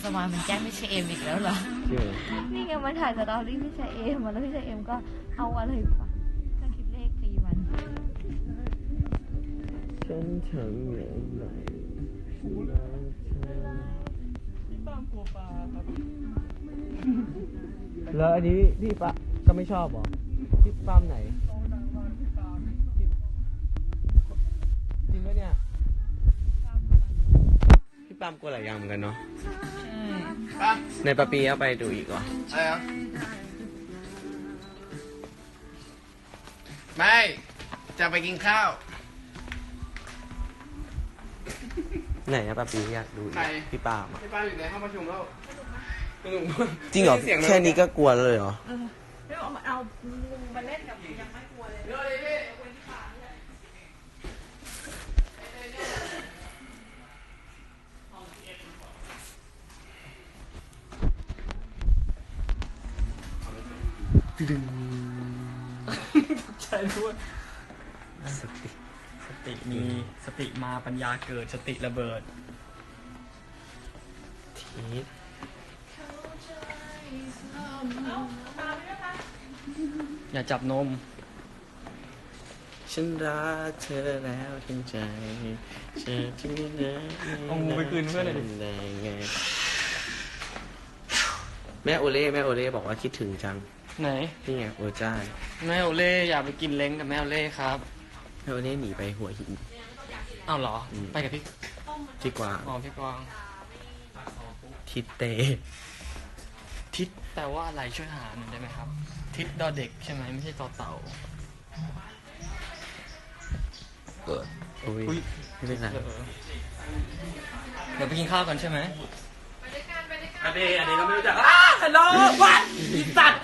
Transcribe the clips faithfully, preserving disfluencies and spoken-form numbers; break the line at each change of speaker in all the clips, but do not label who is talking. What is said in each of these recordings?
สมานมันแกล้งพี่ชายเอ็มอีกแล้วเหรอ
ชื่อ
นี่ไงมันถ่ายสตอรี่พี่ชายเอ็มมาแล้วพี่ชายเอ็มก็เอาอะไรปะเครื่องคิดเลขตีมัน
ฉันทำอย่างไรพี่ป้ามกลัวปลาครับแล้วอันนี้พี่ป้าก็ไม่ชอบหรอพี่ป้ามไหนจริงปะเนี่ยพี่ป้ามกลัวหลายอย่างเหมือนกันเนาะในปะปีเอาไปดูอีกเหรอ
อะไรอ่ะไม่จะไปกินข้าว
ไหนอะปะปีอยากดูอีก
ใคร
พี่ป้ามอะ
พี่ป้าอยู่ในห้องประชุมแล้ว
จริงเหรอแค่นี้ก็กลัวเลยเหรอ
ไม่เอาเอามาเล่นกับยังไม่กลัวเลย
เดี๋ยวเลยพี่
ดึง
ใช่ด้วย
สติ
สติมีสติมาปัญญาเกิดสติระเบิด
ทีส
อย่าจับนม
ฉันรักเธอแล้วทั้งใจเธอที่ไม่ได้
เอางูไปคืนเพื่อนหน่อยดิ
ได้ไงแม่โอเล่แม่โอเล่บอกว่าคิดถึงจัง
ไหน
นี่ไงโอจ้า
แม่โอเล่อยากไปกินเล้งกับแม่โอเล่ครับ
แม่โอเล่หนีไปหัวหิน
อ้าวเหรอ
อืม
ไปกับพี่
ที่กว่า
อ๋อพี่กวาง
ทิศเต
ทิศแปลว่าอะไรช่วยหาหน่อยได้ไหมครับ ทิศดอเด็กใช่ไหมไม่ใช่ต่อเต่า
เกิดโอ้ย
อุ๊ย
ไม่เป็นไร
เออเดี๋ยวไปกินข้าวกันใช่ไหม
อเดย์อเดย์ก็ไม่รู้จัก
ฮัลโหลวัดอีสัตว์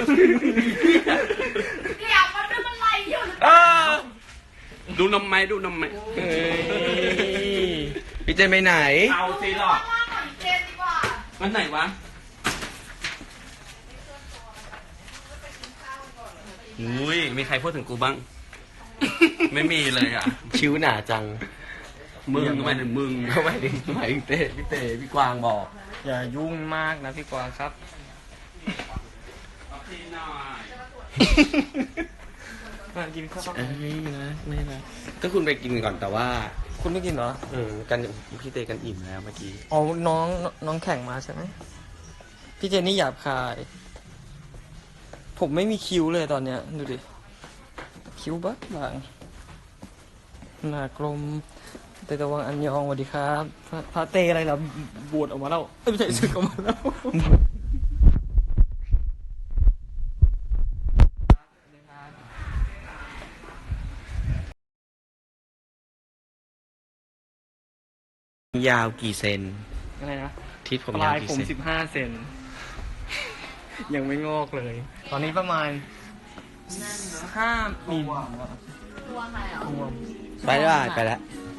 เดี๋ยวมันเป็นอะไรอยู่
ดูนมไหมดูนมไหม
เฮ้ยพี่เจนไปไหน
เอาสิหรอก
ว่างๆหน่อยเจนดีกว่า
มันไหนวะอุ้ยมีใครพูดถึงกูบ้าง ไม่มีเลยอ่ะ
ชิวหนาจัง
มึงทำไมถึงมึง
ทำไมถึงทำไมถึงเต้พี่เต้พี่กวางบอก
อย่ายุ่งมากนะพี่กวางครับ มากินข้าว
เอ้ยนะไม่นะก็คุณไปกินก่อนแต่ว่า
คุณไม่กินเหรอ
เออกันพี่เต้กันอิ่มแล้วเมื่อกี้
อ๋อ น้องน้องแข่งมาใช่ไหม พี่เจนนี่หยาบคาย ผมไม่มีคิ้วเลยตอนเนี้ย ดูดิ คิ้วบักบางหน้ากลมเตตะวังอันยองสวัสดีครับพระพระเตอะไรล่ะบวชออกมาแล้วเอ้ยไม่ใช่สึกออกมาแล้ว
ยาวกี่เซน
อะไรนะ
ทิศผม
ป
ยา
ลา
วย กี่
ผม
เซน
สิบห้าเซน ยังไม่งอกเลย ตอนนี้ประมาณห้ามิล
ตัวใครอ่ะ
รวม
ไปแล้วไปแล้ว
ไ